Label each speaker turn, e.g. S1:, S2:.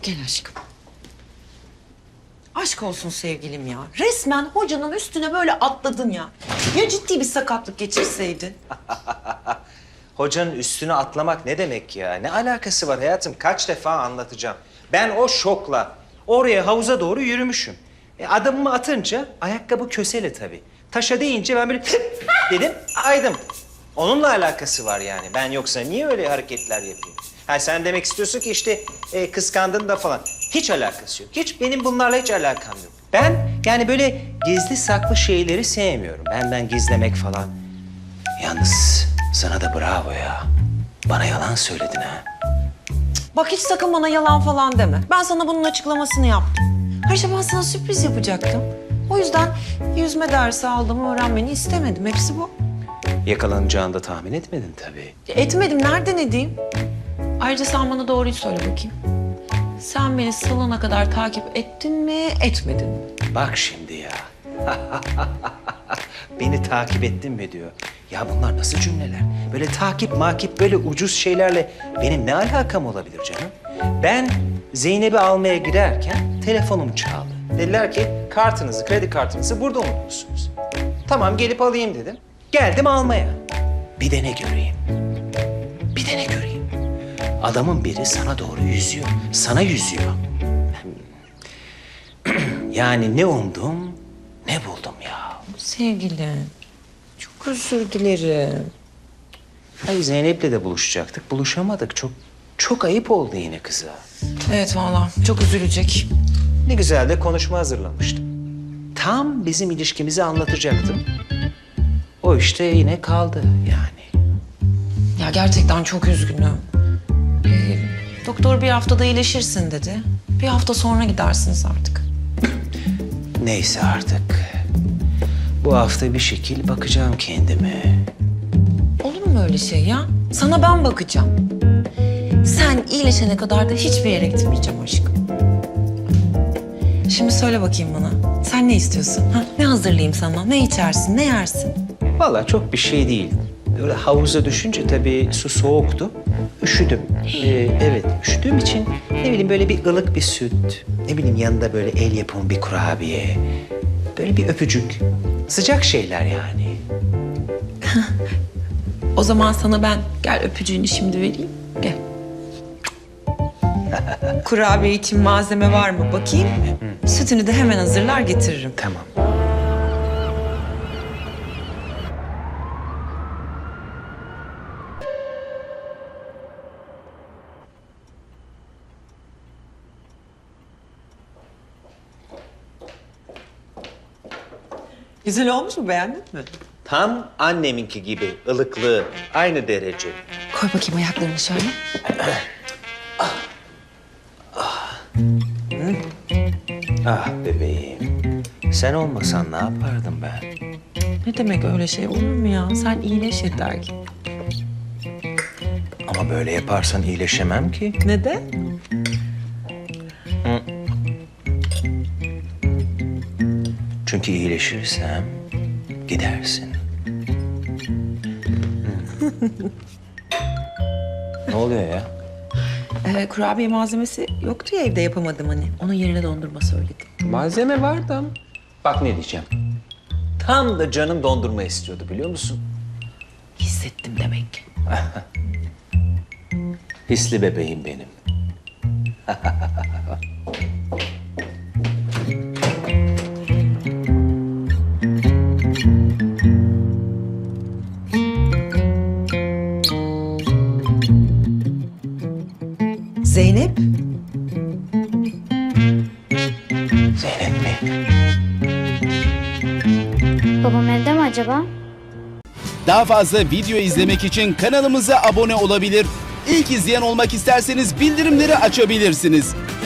S1: Gel aşkım. Aşk olsun sevgilim ya. Resmen hocanın üstüne böyle atladın ya. Ya ciddi bir sakatlık geçirseydin?
S2: Hocanın üstüne atlamak ne demek ya? Ne alakası var hayatım? Kaç defa anlatacağım. Ben o şokla oraya havuza doğru yürümüşüm. Adımımı atınca ayakkabı kösele tabii. Taşa değince ben böyle dedim aydım. Onunla alakası var yani. Ben yoksa niye öyle hareketler yapayım? Ha sen demek istiyorsun ki işte kıskandın da falan. Hiç alakası yok. Hiç benim bunlarla hiç alakam yok. Ben yani böyle gizli saklı şeyleri sevmiyorum. Benden gizlemek falan. Yalnız sana da bravo ya. Bana yalan söyledin ha.
S1: Bak hiç sakın bana yalan falan deme. Ben sana bunun açıklamasını yaptım. Ayrıca ben sana sürpriz yapacaktım. O yüzden yüzme dersi aldığımı öğrenmeni istemedim. Hepsi bu.
S2: Yakalanacağını da tahmin etmedin tabii.
S1: Etmedim. Nereden edeyim? Ayrıca sen bana doğruyu söyle bakayım. Sen beni salona kadar takip ettin mi, etmedin mi?
S2: Bak şimdi ya. Beni takip ettin mi diyor. Ya bunlar nasıl cümleler? Böyle takip böyle ucuz şeylerle benim ne alakam olabilir canım? Ben Zeynep'i almaya giderken telefonum çaldı. Dediler ki kredi kartınızı burada unutmuşsunuz. Tamam gelip alayım dedim. Geldim almaya. Bir de ne göreyim? Bir de ne göreyim? Adamın biri sana doğru yüzüyor. Sana yüzüyor. Yani ne umdum, ne buldum ya.
S1: Sevgilim, çok özür dilerim.
S2: Ay Zeynep'le de buluşacaktık. Buluşamadık. Çok ayıp oldu yine kıza.
S1: Evet vallahi çok üzülecek.
S2: Ne güzel de konuşma hazırlamıştım. Tam bizim ilişkimizi anlatacaktım. O işte yine kaldı yani.
S1: Ya gerçekten çok üzgünüm. Doktor bir haftada iyileşirsin dedi. Bir hafta sonra gidersiniz artık.
S2: Neyse artık. Bu hafta bir şekil bakacağım kendime.
S1: Olur mu öyle şey ya? Sana ben bakacağım. Sen iyileşene kadar da hiçbir yere gitmeyeceğim aşkım. Şimdi söyle bakayım bana. Sen ne istiyorsun? Ha? Ne hazırlayayım sana? Ne içersin? Ne yersin?
S2: Vallahi çok bir şey değil. Böyle havuza düşünce tabii su soğuktu. Üşüdüm. Evet, üşüdüğüm için ne bileyim böyle bir ılık bir süt. Ne bileyim yanında böyle el yapımı bir kurabiye. Böyle bir öpücük. Sıcak şeyler yani.
S1: O zaman sana ben gel öpücüğünü şimdi vereyim. Gel. Kurabiye için malzeme var mı bakayım. Sütünü de hemen hazırlar getiririm.
S2: Tamam.
S1: Güzel olmuş mu? Beğendin mi?
S2: Tam anneminki gibi ılıklığı aynı derece.
S1: Koy bakayım ayaklarını şöyle.
S2: Ah bebeğim. Sen olmasan ne yapardım ben?
S1: Ne demek öyle şey olur mu ya? Sen iyileş yeter ki.
S2: Ama böyle yaparsan iyileşemem ki.
S1: Neden?
S2: Çünkü iyileşirsem gidersin. Ne oluyor ya?
S1: Kurabiye malzemesi yoktu ya evde yapamadım hani. Onun yerine dondurma söyledim.
S2: Malzeme vardı ama. Bak ne diyeceğim. Tam da canım dondurma istiyordu biliyor musun?
S1: Hissettim demek ki.
S2: Hisli bebeğim benim.
S1: Zeynep.
S2: Zeynep mi?
S3: Babam evde mi acaba?
S4: Daha fazla video izlemek için kanalımıza abone olabilir. İlk izleyen olmak isterseniz bildirimleri açabilirsiniz.